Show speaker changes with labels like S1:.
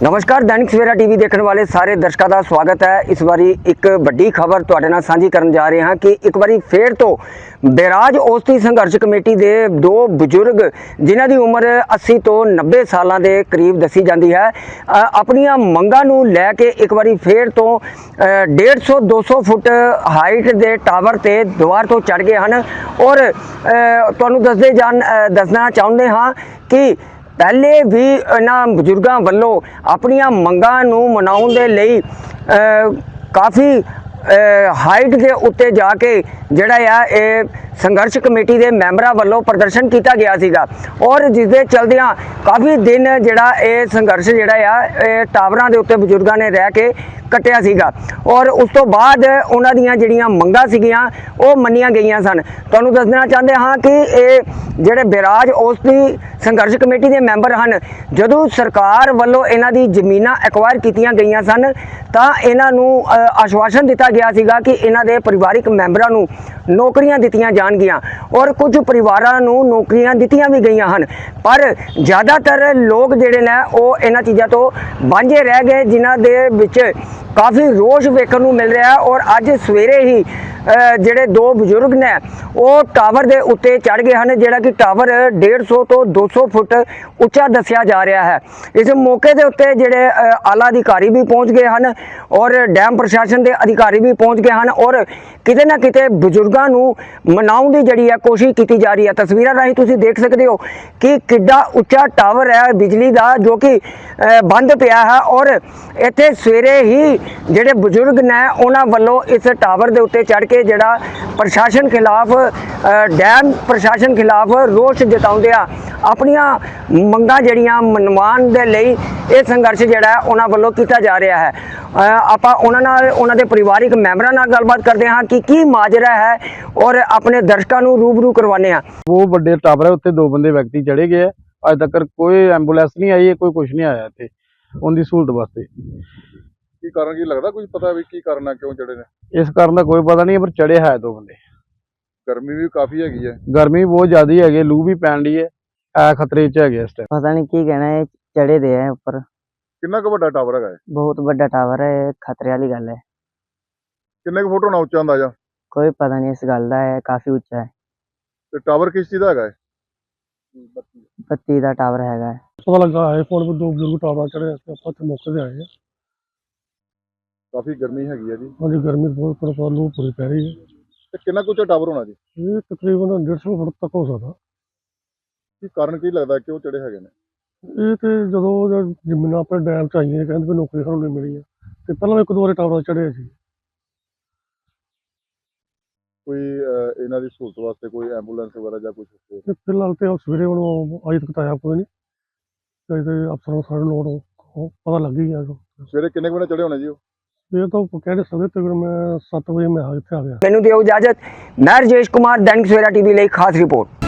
S1: नमस्कार, दैनिक सवेरा टीवी देखने वाले सारे दर्शकों का स्वागत है। इस बारी एक बड़ी खबर तुहाडे नाल सांझी करन जा रहे हैं कि एक बारी फिर तो बैराज औसती संघर्ष कमेटी के दो बजुर्ग जिन्हां दी उम्र 80 तो 90 सालों के करीब दसी जाती है, अपनियां मंगां नूं लैके एक बारी फिर तो 150-200 फुट हाइट के टावर ते दीवार तो चढ़ गए हैं। और तुहानूं दसना चाहुंदे हाँ कि पहले भी इन्हां बजुर्गों वालों अपनियां मंगां नूं मनाउण दे लई काफ़ी हाइट के उत्ते जाके जिहड़ा है संघर्ष कमेटी के मैंबरां वालों प्रदर्शन किया गया सीगा। और जिस दे चलदियां काफ़ी दिन जिहड़ा ये संघर्ष जिहड़ा है टावरां दे उत्ते बजुर्गों ने रह के कटिया सीगा। और उस तो बाद उन्हां दीयां जिहड़ियां मंगां सीगियां वो मन्नियां गईयां सन। तुहानूं दसना चाहते हाँ कि ये जिहड़े बैराज औसती संघर्ष कमेटी के मैंबर हैं, जदों सरकार वालों इन्हां दी जमीनां एक्वायर कीतियां गईयां सन तां इन्हां नूं आश्वासन दिता गया सीगा कि इन्हां दे परिवारिक मैंबरां नूं नौकरियां दित्तियां जाणगियां और कुछ परिवारां नूं नौकरियां दित्तियां भी गईयां हन। पर ज़्यादातर लोग जिहड़े ने वो इन्हां चीज़ां तो वांझे रह गए, जिन्हां दे विच काफ़ी रोष वेखण नूं मिल रहा है। और अज सवेरे ही जिहड़े दो बजुर्ग ने वो टावर के उत्ते चढ़ गए हैं, जिहड़ा कि टावर 150 तो 200 फुट उच्चा दस्या जा रहा है। इस मौके के उत्ते जिहड़े आला अधिकारी भी पहुँच गए हैं और डैम प्रशासन के अधिकारी भी पहुँच गए हैं और किते ना किते बजुर्गों नूं मनाउण दी जिहड़ी है कोशिश की जा रही है। तस्वीरां राहीं तुसीं देख सकते हो कि किड्डा उच्चा टावर है बिजली का, जो कि बंद पिया है। और इत्थे सवेरे ही जिहड़े बजुर्ग ने उन्हां वल्लों इस टावर के उत्ते चढ़ के जिहड़ा प्रशासन खिलाफ डैम प्रशासन खिलाफ रोष जताउंदियां अपनियां मंगां जिहड़ियां मनवाउण दे लई ये संघर्ष जिहड़ा है उन्हां वल्लों कीता जा रहा है। आपां उन्हां दे परिवारिक मैंबरां नाल गलबात करदे हां कि की माजरा है और अपने दर्शकों नूं रूबरू करवाने हां।
S2: वो बड़े टावर है उत्ते दो बंदे व्यक्ति चढ़े गए। अज तक कोई एंबुलेंस नहीं आई है, कोई कुछ नहीं आया इत्थे उनकी सहूलत वास्ते।
S3: की कारण की लगता कुछ पता भी की कारण है क्यों चढ़े ने?
S2: इस कारण का कोई पता नहीं, पर चढ़े है दो बंदे।
S3: गर्मी भी काफी हैगी है।
S2: गर्मी बहुत ज्यादा है, लू भी पैन दी है, खतरे च है इस टाइम।
S4: पता नहीं की कहना है, चढ़े दे है ऊपर।
S3: कितना क वड्डा टावर है?
S4: बहुत बड़ा टावर है, खतरे वाली गल है।
S3: किन्ने क फुट होना उच्चा अंदाजा?
S4: कोई पता नहीं इस गल का है, काफी उच्चा है।
S3: ते टावर किस चीज का है?
S4: बत्ती का टावर है।
S5: पता लगा है फोन पर दो बुजुर्ग टावर चढ़े, अपने मौके से आए हैं।
S3: काफी गर्मी हैगी है जी।
S5: हाँ जी, गर्मी बहुत लू पूरी पै रही है।
S3: ते कितना क उच्चा टावर होना जी?
S5: ये तकरीबन 150 फुट तक हो सकता।
S3: की कारण की लगता क्यों चढ़े हैगे ने?
S5: ये तो जो जमीन अपने डैम च आई कहते भी नौकरी सानू नहीं मिली है, तो पहले एक दो बार टावर चढ़े सी।
S3: कोई इन्हां दी सहूलत वास्ते कोई एंबुलेंस वगैरह या कुछ?
S5: ते फिलहाल तो सवेरे अज तक आया कोई नहीं, तो अफसरों सारे लोग पता लग ही गया।
S3: सवेरे किन्ने बजे चढ़े होने जी?
S5: ये तो कह नहीं सकते, तकरीबन मैं 7 बजे मैं इत्थे आ गया।
S1: मैनूं दिओ इजाजत। मैं राजेश कुमार, दैनिक सवेरा टीवी ਲਈ खास रिपोर्ट।